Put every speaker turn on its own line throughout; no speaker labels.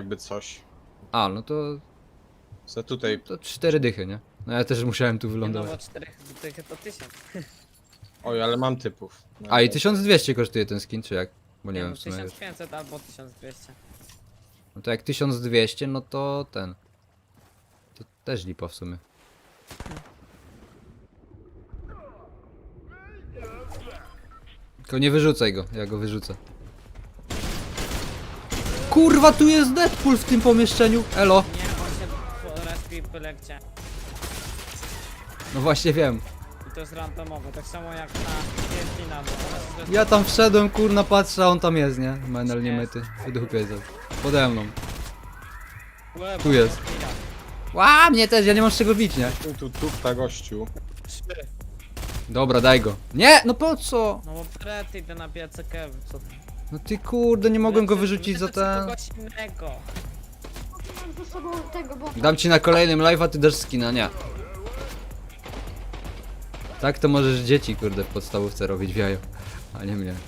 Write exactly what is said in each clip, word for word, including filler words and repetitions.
jakby coś.
A, no to...
Co tutaj?
To cztery dychy, nie? No ja też musiałem tu
Nie no,
wylądować.
bo czterech tych to tysiąc.
Oj, ale mam typów. No
A i
to-
tysiąc dwieście kosztuje ten skin, czy jak? Bo nie
Nie
wiem
no,
w sumie już.
tysiąc pięćset albo tysiąc dwieście.
No to jak tysiąc dwieście, no to ten. To też lipa w sumie. Tylko nie wyrzucaj go, ja go wyrzucę. Kurwa, tu jest Deadpool w tym pomieszczeniu. Elo.
Nie, on się respi byle gdzie.
No właśnie wiem.
I to jest randomowe, tak samo jak na Argentina, bo ona się
Ja tam wszedłem, kurna, patrzę, a on tam jest, nie? Menel nie myty. Wydupie za. Pode mną.
Łe,
Tu jest. Ła, mnie też, ja nie mam z czego bić, nie?
Tu, tu, tu, ta gościu.
Trzy.
Dobra, daj go. Nie, no po co?
No bo Bret idę na biece Kev, co ty?
No ty kurde, nie mogłem go
Lecę-
wyrzucić za
lecę
ten.
kogoś innego.
Mam ze sobą tego, bo...
Dam ci na kolejnym live, a ty dasz skina, nie. Tak to możesz dzieci, kurde, w podstawówce robić w jajo, a nie mnie.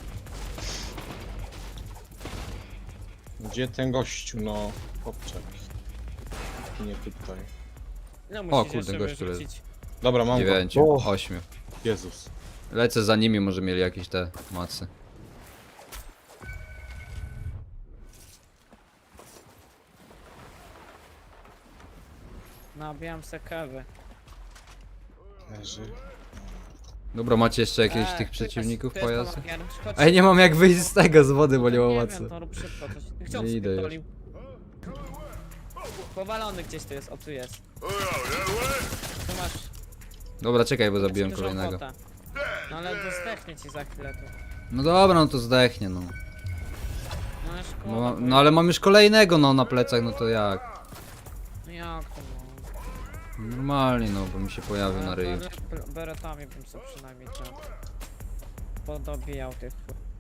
Gdzie ten gościu, no? Popczek. Nie tutaj.
No
O,
musisz
kurde,
jeszcze
gościu leży.
wyrzucić.
Dobra, mam
Dziewięciu,
go. O,
ośmiu.
Jezus.
Lecę za nimi, może mieli jakieś te macy.
Nabijam se Kewy.
Leży.
Dobra, macie jeszcze jakieś
Eee,
tych
tu
przeciwników
jest- tu jest
pojazd?
pomagier. Chodź.
Ej, nie mam jak wyjść z tego, z wody, bo nie mam
Nie
macy.
wiem, to rób szybko coś. Gdzie on
Nie idę
spierdolił? Powalony gdzieś tu jest, o tu jest. Tu masz...
Dobra, czekaj, bo
masz
zabiłem
dużą
kolejnego.
kwotę. No ale dostechnie ci za chwilę tu.
No dobra, no to zdechnie, no.
No ale szkoda.
No,
bo-
no ale mam już kolejnego, no, na plecach, no to jak?
No jak to no?
Normalnie, no, bo mi się pojawił na ryju.
Ale be- Beretami bym sobie przynajmniej ten... Podobijał tych...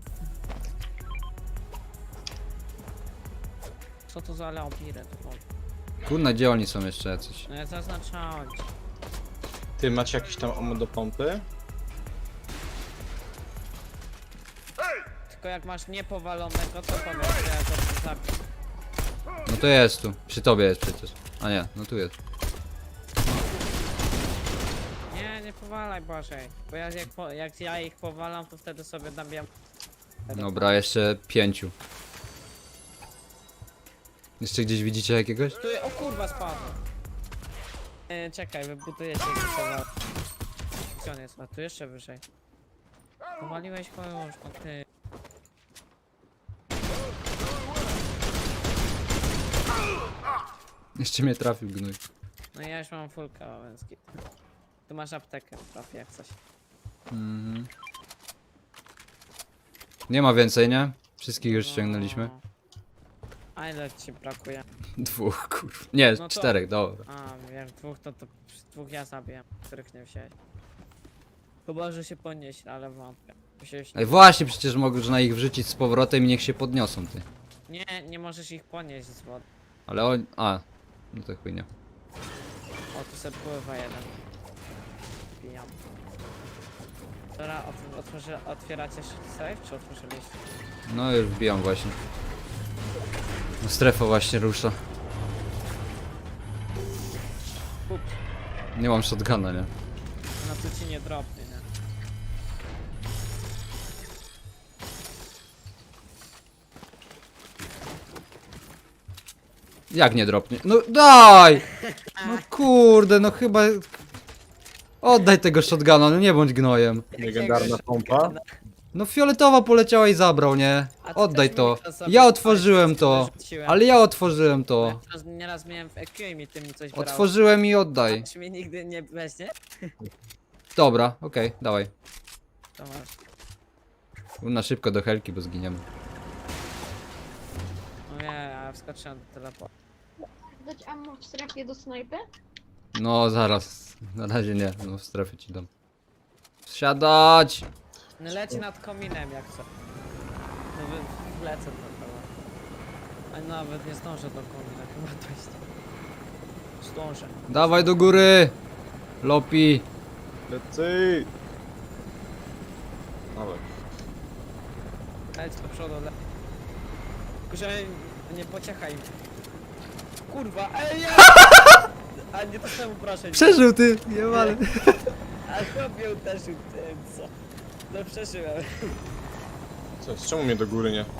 Co to za leopiry tu?
Kurna, gdzie oni są jeszcze jacyś?
No ja zaznaczałem ci.
Ty, macie jakieś tam ammo do pompy?
Tylko jak masz niepowalonego, to powiedz, że ja go zabiję.
No to jest tu, przy tobie jest przecież. A nie, no tu jest.
Nie, nie powalaj Bożej. Bo ja, jak, po, jak ja ich powalam, to wtedy sobie nabijam.
Dobra, jeszcze pięciu. Jeszcze gdzieś widzicie jakiegoś?
Tu, o kurwa spadł. E, czekaj, wybuduję cię i powal. Gdzie on jest? A tu jeszcze wyżej. Powaliłeś go już, no ty.
Jeszcze mnie trafił gnój.
No ja już mam full kałęski. Tu masz aptekę, trafię jak coś.
Mhm. Nie ma więcej, nie? Wszystkich już ściągnęliśmy.
No. A ile ci brakuje?
Dwóch, kurwa. Nie,
No to-
czterech, dobra.
A, jak dwóch, to, to dwóch ja zabiję, których nie wziąłeś. Chyba, że się podnieść, ale wątpię. Musiałeś...
Ej, właśnie, przecież można ich wrzucić z powrotem i niech się podniosą, ty.
Nie, nie możesz ich podnieść z wody.
Ale on... A, no to chujnie.
O, tu sobie pływa jeden. Pijam. Dobra, ot otworzy, otwieracie safe, czy otworzyliście?
No już wbijam właśnie. No strefa właśnie rusza.
Kup.
Nie mam shotguna, nie?
No tu ci nie dropnie, nie?
Jak nie dropnie? No daj! No kurde, no chyba... Oddaj tego shotguna, no nie bądź gnojem.
Legendarna pompa.
No fioletowa poleciała i zabrał, nie?
A ty
Oddaj
też
to.
mi to zabrałeś,
Ja otworzyłem
co
to.
wyrzuciłem.
Ale ja otworzyłem to.
Nieraz, nieraz miałem w E Q i mi ty mi coś brałeś.
Otworzyłem i oddaj.
Aż mnie nigdy nie weźmie?
Dobra, okej, dawaj.
To masz.
Na szybko do helki, bo zginiemy.
No nie, ja wskoczyłem do teleportu.
Dać ammo w strefie do snajpy?
No zaraz. Na razie nie, no w strefie ci dam. Siadać!
No leci nad kominem jak co. No wy, wlecę to chyba. A nawet nie zdążę do komina, chyba dojść. Zdążę.
Dawaj do góry! Lopi!
Lecy! Dawaj.
Leć do przodu, le... Tylko, że nie pociechaj. kurwa, ej, nie! A nie to czemu proszę.
Przeżył ty, nie ale.
A chłopie uderzył tym, co? No przeżyłem.
Co jest? Czemu mnie do góry nie?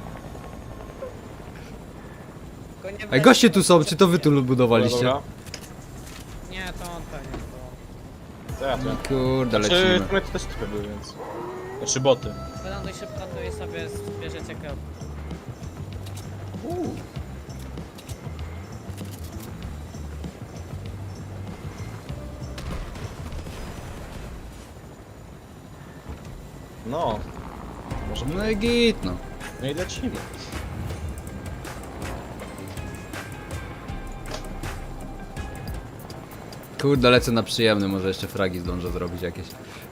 Tylko nie
Ej,
wlezł,
goście
bo-
tu są, czy to wy tu
Dobra,
budowaliście?
dobra.
Nie, to on pewnie było.
To ja, to ja.
Kurde,
Czy
lecimy.
my to też typy były, więc... Znaczy boty.
Wyląduj szybko tu i sobie zbierzecie krop.
No. Może
No i git, no.
no i lecimy.
Kurde, lecę na przyjemny, może jeszcze fragi zdążę zrobić jakieś.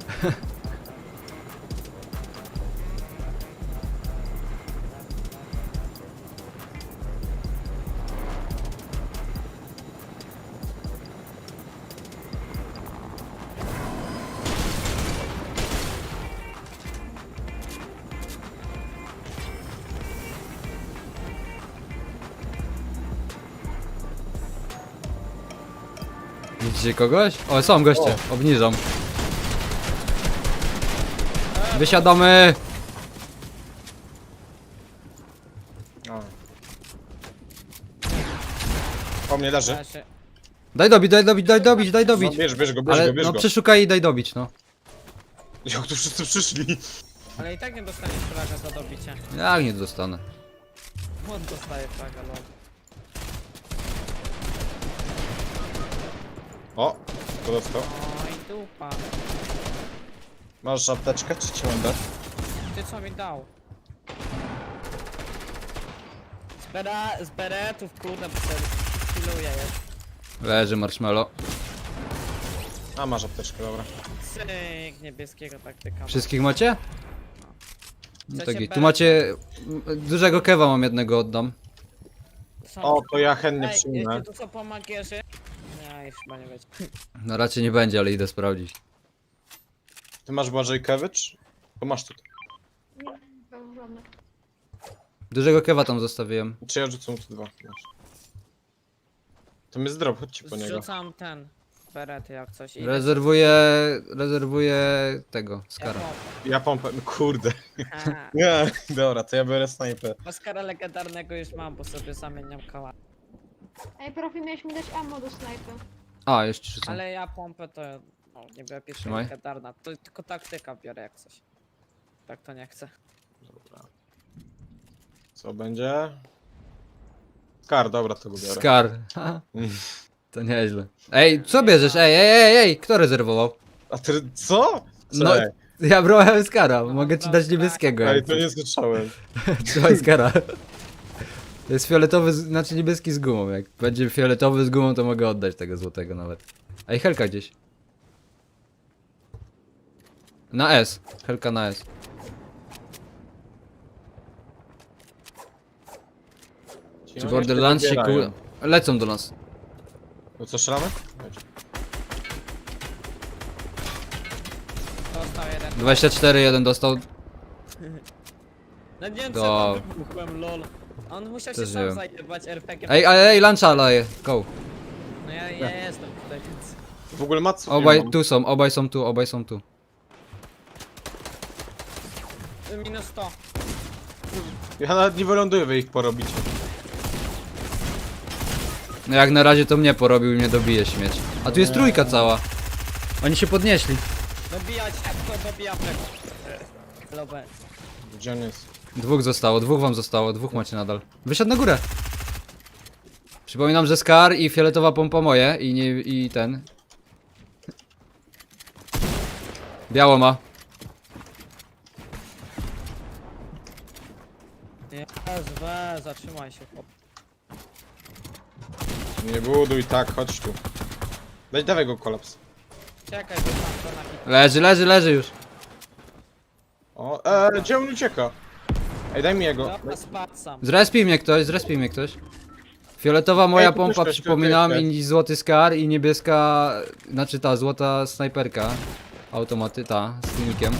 Widzicie kogoś? O, są goście, obniżam. Wysiadamy!
A. Po mnie leży.
Ja się...
Daj dobić, daj dobić, daj dobić, daj
No,
dobić.
bierz, bierz go, bierz
Ale
go, bierz
no
go.
przeszukaj i daj dobić, no.
Jak tu wszyscy przyszli?
Ale i tak nie dostaniesz fraga za dobicie.
Jak nie dostanę.
On dostaje fraga, lol.
O, to dostał.
Oj, dupa.
Masz apteczkę, czy cię mam dać?
Ty co mi dał? Z, bera, z beretów, kurde, bo sobie chwiluje jest.
Leży marshmallow.
A, masz apteczkę, dobra.
Cyk, niebieskiego taktyka.
Wszystkich macie? No
Chcecie
tak, tu
beret?
macie... m, Dużego kewa mam jednego, oddam.
Są...
O, to ja chętnie
Ej,
przyjmę.
jeśli tu są pomagierzy... Nie, już chyba nie będzie.
No raczej nie będzie, ale idę sprawdzić.
Ty masz Błażej Kewicz? To masz tutaj.
Nie, mam żadne.
Dużego kewa tam zostawiłem.
Czy ja rzucę mu tu dwa? Masz. To my zdrop, chodźcie po niego.
Zrzucam ten... Berety jak coś. i-
Rezerwuję... Rezerwuję tego,
Ja
skara.
Ja pompę, no kurde.
Haha.
Nie, dobra, to ja biorę snajper.
Oscara legendarnego już mam, bo sobie zamieniam koła.
Ej, profi, miałeś mi dać ammo do snajpy.
A, jeszcze rzucam.
Ale ja pompę to... No, nie biorę pierwsza
Trzymaj.
legendarna. To tylko taktyka biorę jak coś. Tak to nie chcę.
Dobra. Co będzie? Skar, dobra, to go biorę.
Skar. To nieźle. Ej, co bierzesz? Ej, ej, ej, ej, kto rezerwował?
A ty co?
No,
Cześć.
ja brałem skara, mogę ci dać niebieskiego.
Ej,
jak
to
chcesz.
nie słyszałem.
Trzymaj skara. To jest fioletowy, z- znaczy niebieski z gumą. Jak będzie fioletowy z gumą, to mogę oddać tego złotego nawet. Ej, Helka gdzieś. Na S. Helka na S. Czy Borderlands się ku... Lecą do nas.
No co, strzelamy? Chodź.
Dostał jeden.
dwadzieścia cztery, jeden dostał.
No nie wiem
Do-
co tam wybuchłem, lol. On musiał się
Też nie
sam
wiem.
zajebać er pe gie.
Ej, ej, ej, luncha laje. Go.
No ja, ja jestem tutaj, więc...
W ogóle Matsu
Obaj tu są, obaj są tu, obaj są tu.
Minus sto.
Ja nawet nie wyląduję, wy ich porobicie.
No jak na razie to mnie porobił i mnie dobije śmieć. A tu jest trójka cała. Oni się podnieśli.
Dobijać, jak to dobija tego. Lobę.
Gdzie on jest?
Dwóch zostało, dwóch wam zostało, dwóch macie nadal. Wysiadł na górę. Przypominam, że Scar i fioletowa pompa moje i nie, i ten. Biało ma.
Nie, we, zatrzymaj się, chłop.
Nie buduj tak, chodź tu. Daj, dawaj go kolaps.
Czekaj, bo mam to na hit.
Leży, leży, leży już.
O, eee, gdzie on ucieka? Ej, daj mi jego.
Dobra, spadł sam.
Zrespij mnie ktoś, zrespij mnie ktoś. Fioletowa moja
Ej, tu
pompa,
ktoś,
przypominam,
tutaj, tutaj.
i złoty Scar i niebieska, znaczy ta złota snajperka. Automaty, ta, z filmikiem.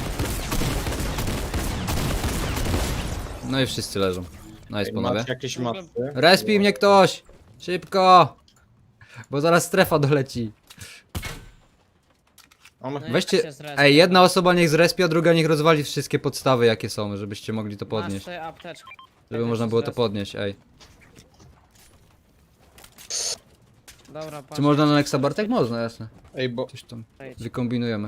No i wszyscy leżą. Nice,
Ej,
panowie.
macie jakieś macy?
Respij mnie ktoś! Szybko! Bo zaraz strefa doleci.
O, my...
No i
Weźcie,
ja się zrespię.
ej, jedna osoba niech zrespia, druga niech rozwali wszystkie podstawy jakie są, żebyście mogli to
Masz
podnieść.
sobie apteczkę.
Żeby
Jak
można
się
było to
zrespię.
podnieść, ej.
Dobra, patrz.
Czy można na Nexa Bartek? Można, jasne.
Ej, bo...
Coś tam
Wejdź.
wykombinujemy.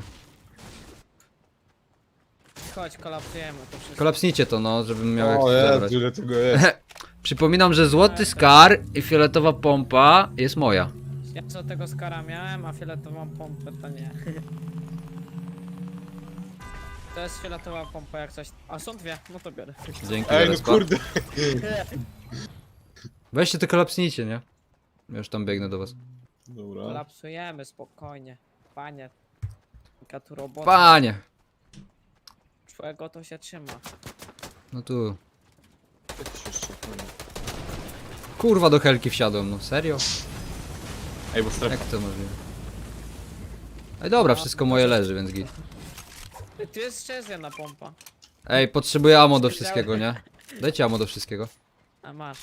Chodź, kolapsujemy to wszystko.
Kolapsnijcie to, no, żebym miał
O
jak
Jezu,
zabrać.
ile tego jest.
Przypominam, że złoty skar i fioletowa pompa jest moja.
Ja co tego skara miałem, a fioletową pompę to nie. To jest fioletowa pompa jak coś. A są dwie, no to biorę.
Dzięki za
Ej, no
respa.
kurde.
Weźcie to kolapsnijcie, nie? Ja już tam biegnę do was.
Dobra.
Kolapsujemy spokojnie. Panie. Jaka tu robota.
Panie!
Czego to się trzyma.
No tu.
Jak to się jeszcze-
Kurwa do helki wsiadłem, no serio?
Ej, bo strefa.
Jak to możliwe? Ej dobra, wszystko moje leży, więc git.
Ty, tu jest jeszcze jedna pompa.
Ej, potrzebuję ammo do wszystkiego, nie? Dajcie ammo do wszystkiego.
A masz.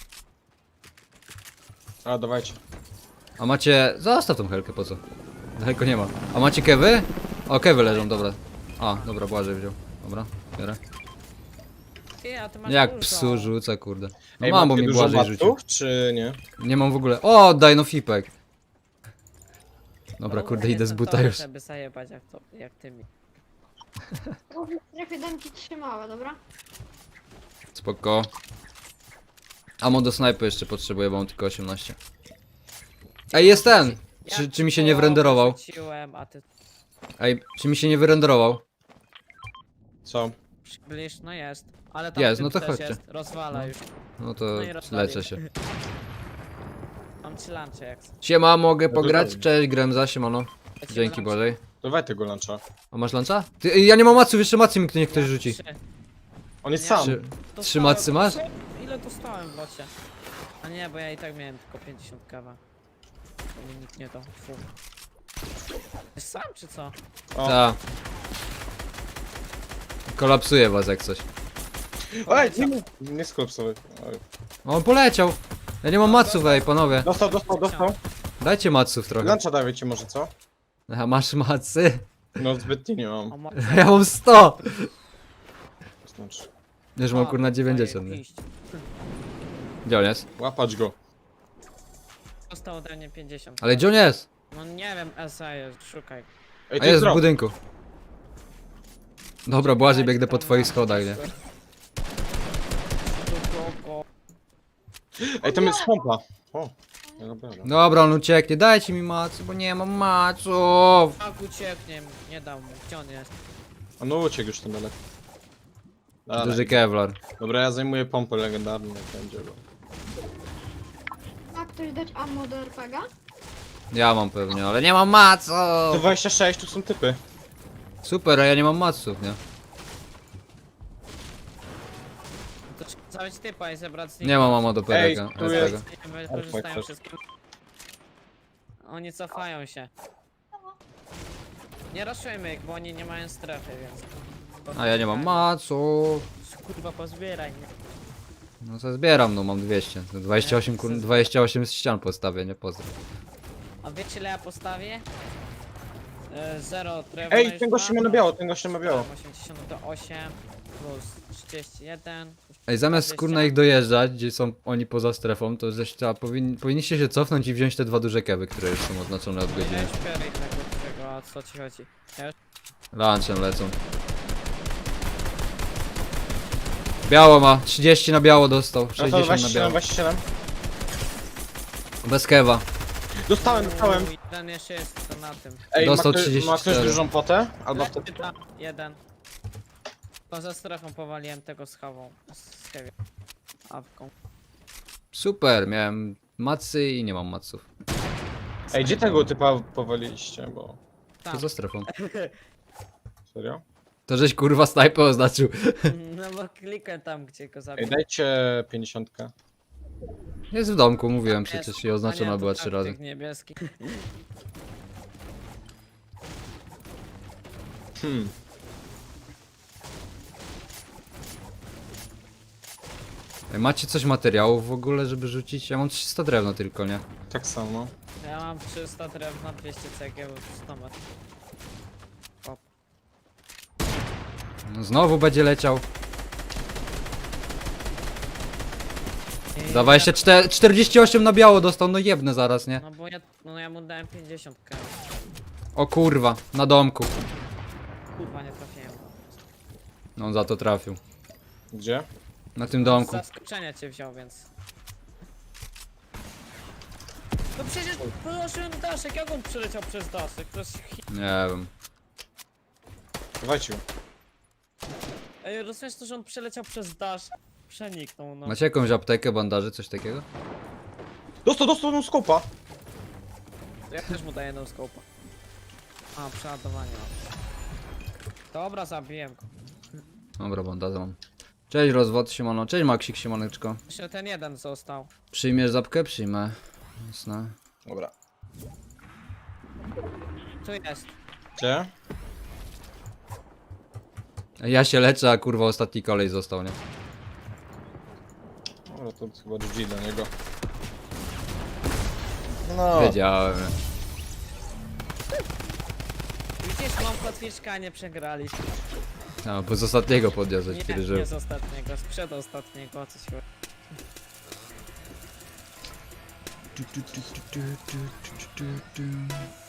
A, dawajcie.
A macie... Zostaw tą helkę, po co? Daleko nie ma. A macie kewy? O, kewy leżą, dobra. A, dobra, Błażej wziął. Dobra, biorę.
Ty, a ty masz
Jak
dużo.
psu rzuca, kurde. No
Ej,
mam, bo
macie
mi
dużo
Błażej rzucił.
matów, czy nie?
Nie mam w ogóle... O, daj no fipek. Dobra,
No,
kurde, idę z
jestem
buta
dobry,
już.
żeby zajebać jak, to, jak ty mi.
W strefie dam ci trzy małe, dobra?
Spoko. Ammo do snajpy jeszcze potrzebuję, bo mam tylko osiemnaście. Ej, jest ten! Czy,
Ja
czy mi się nie
połowę
wrenderował?
rzuciłem, a ty
Ej, czy mi się nie wyrenderował?
Co?
przybliż, no jest. Ale tam
Jest,
typ
no to
też
chodźcie.
Jest. Rozwala już.
No to
No i rozwalił.
leczę się.
Mam trzy lancze jak chcę.
Siema, mogę
to
pograć?
fajnie.
Cześć, Gremza, siemano.
Lecimy
Dzięki
lancze.
Bożej.
Dawaj tego luncha.
A masz luncha? Ty, ej, ja nie mam maców, jeszcze macy mi ktoś, ktoś
Ja
rzuci.
trzy.
On jest
Nie.
sam.
Trzy,
Dostałem-
trzy macy masz?
Ile dostałem w locie? A nie, bo ja i tak miałem tylko pięćdziesiąt kawa. To mi nikt nie to. Fu. Jest sam czy co?
O.
Ta. Kolapsuje was jak coś.
Ej, nie, nie, nie skolapsowy. Oj.
O, on poleciał. Ja nie mam maców, ej, panowie.
Dostał, dostał, dostał.
Dajcie maców trochę.
Luncha dawajcie może, co?
A masz macy?
No zbytnie nie
O,
mam.
mo-
Ja mam sto!
Znaczy,
Już mam
A,
kurna dziewięćdziesiąt.
daję,
nie?
iść.
Gdzie on jest?
łapać go.
Dostał ode mnie pięćdziesiąt.
Ale gdzie on jest?
No nie wiem, S A jest, szukaj.
Ej,
A
to
jest w
drop.
budynku. Dobra, Błażej, biegnę po
Tam
twoich
masz
schodach, nie?
wszystko. Tu, tu,
Ej, tam jest pompa. O, ja go biorę.
Dobra, on ucieknie, dajcie mi macy, bo nie mam maców.
Tak ucieknie, nie dał mu. Gdzie on jest?
A no uciekł już ten daleko. Dalej.
Duży Kevlar.
Dobra, ja zajmuję pompę legendarną, jak będzie go.
Ma ktoś dać ammo do R P G?
Ja mam pewnie, ale nie mam maców.
To dwadzieścia sześć, tu są typy.
Super, a ja nie mam maców, nie?
To trzeba zabrać typa i zebrać z
Nie mam mamo do
Ej,
pereka.
tu jest-
Nie
Alfa
korzystają
też.
wszystkim. Oni cofają się. Nie raszujmy ich, bo oni nie mają strefy, więc...
A ja nie mam maców.
Kurwa, pozbieraj mnie.
No to zbieram, no mam dwieście. To dwadzieścia osiem, kur... dwadzieścia osiem z ścian postawię, nie pozdro.
A wiecie ile ja postawię? E, Zero drewna
Ej,
już
ten gościu
mam.
ma na biało, ten gościu ma biało.
osiemdziesiąt do osiem plus trzydzieści jeden.
Ej, zamiast kurna ich dojeżdżać, gdzie są oni poza strefą, to żeś trzeba, powin... powinniście się cofnąć i wziąć te dwa duże kewy, które już są oznaczone od
Ja
godziny.
już biorę ich tego, tego, a co ci chodzi? Ja już...
Lunchem lecą. Biało ma, trzydzieści na biało dostał,
No to
sześćdziesiąt na
dwadzieścia siedem,
biało.
dwadzieścia siedem.
Bez kewa.
Dostałem, dostałem.
Uuu, jeden jeszcze jest to na tym.
Ej,
Dostał
ma, ktoś-
trzydzieści
ma ktoś
cztery.
dużą potę? Albo
Leży
wtedy...
tam, jeden. Poza strefą powaliłem tego z hawą. Z heavy. Awką.
Super, miałem macy i nie mam maców.
Ej, gdzie tego typa powaliliście, bo...
To
Tam.
za strefą.
Serio?
To żeś kurwa snajpę oznaczył.
No bo klikłem tam, gdzie go
Ej,
zabił.
dajcie pięćdziesiątkę.
Jest w domku, mówiłem
Jest.
przecież i
A
oznaczona
nie,
była
to
trzy
taktyk
razy.
niebieski.
Hmm.
Ej, macie coś materiałów w ogóle, żeby rzucić? Ja mam trzysta drewna tylko, nie?
Tak samo.
Ja mam trzysta drewna, dwieście cegieł, sto metrów.
No, znowu będzie leciał.
I
Dawaj jeszcze czte- czterdzieści osiem na biało dostał, no jebnę zaraz, nie?
No bo ja, no ja mu dałem pięćdziesiąt k.
O kurwa, na domku.
Kurwa, nie trafiłem.
No on za to trafił.
Gdzie?
Na tym domku.
Z zaskoczenia cię wziął, więc... No przecież położyłem daszek, jak on przyleciał przez daszek? Przez...
Nie wiem.
Walczył.
Ej, rozumiesz to, że on przeleciał przez dasz? Przeniknął, no.
Macie jakąś aptekę, bandaży, coś takiego?
Dostał, dostał no skopa.
Ja też mu daję no scope'a. A, przeładowanie mam. Dobra, zabiłem go.
Dobra, bandażę mam. Cześć rozwód, siemano. Cześć Maksik, siemaneczko.
Jeszcze ten jeden został.
Przyjmiesz zapkę? Przyjmę. Jasne.
Dobra.
Tu jest.
Gdzie?
Ja się leczę, a kurwa ostatni kolej został, nie?
Dobra, to chyba G G dla niego. No.
Wiedziałem.
Widzisz, mam kotwiczka, nie przegraliśmy.
A, bo z ostatniego podniosłeś,
Nie,
kiedy żył.
nie z ostatniego, z przedostatniego, o coś chodzi.
Tu, tu, tu, tu, tu, tu, tu, tu, tu.